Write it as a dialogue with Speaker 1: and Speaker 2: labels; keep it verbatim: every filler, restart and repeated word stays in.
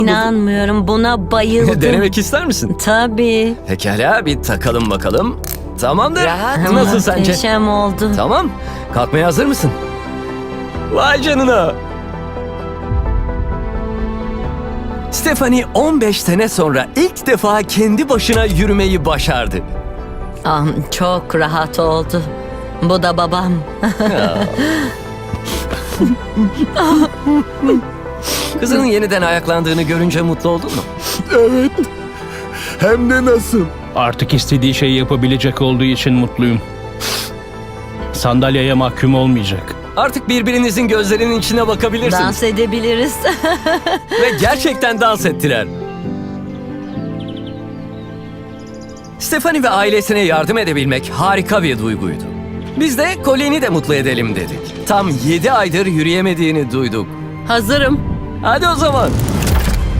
Speaker 1: İnanmıyorum, buna bayıldım.
Speaker 2: Denemek ister misin?
Speaker 1: Tabii.
Speaker 2: Pekala, bir takalım bakalım. Tamamdır.
Speaker 3: Rahat.
Speaker 2: Nasıl sence?
Speaker 1: Muhteşem oldu.
Speaker 2: Tamam. Kalkmaya hazır mısın? Vay canına. Stephanie on beş sene sonra ilk defa kendi başına yürümeyi başardı.
Speaker 1: Ah, çok rahat oldu. Bu da babam.
Speaker 2: Kızının yeniden ayaklandığını görünce mutlu oldun mu?
Speaker 4: Evet. Hem de nasıl?
Speaker 5: Artık istediği şeyi yapabilecek olduğu için mutluyum. Sandalyeye mahkum olmayacak.
Speaker 2: Artık birbirinizin gözlerinin içine bakabilirsiniz.
Speaker 1: Dans edebiliriz.
Speaker 2: Ve gerçekten dans ettiler. Stephanie ve ailesine yardım edebilmek harika bir duyguydu. Biz de Colin'i de mutlu edelim dedik. Tam yedi aydır yürüyemediğini duyduk.
Speaker 1: Hazırım.
Speaker 2: Hadi o zaman.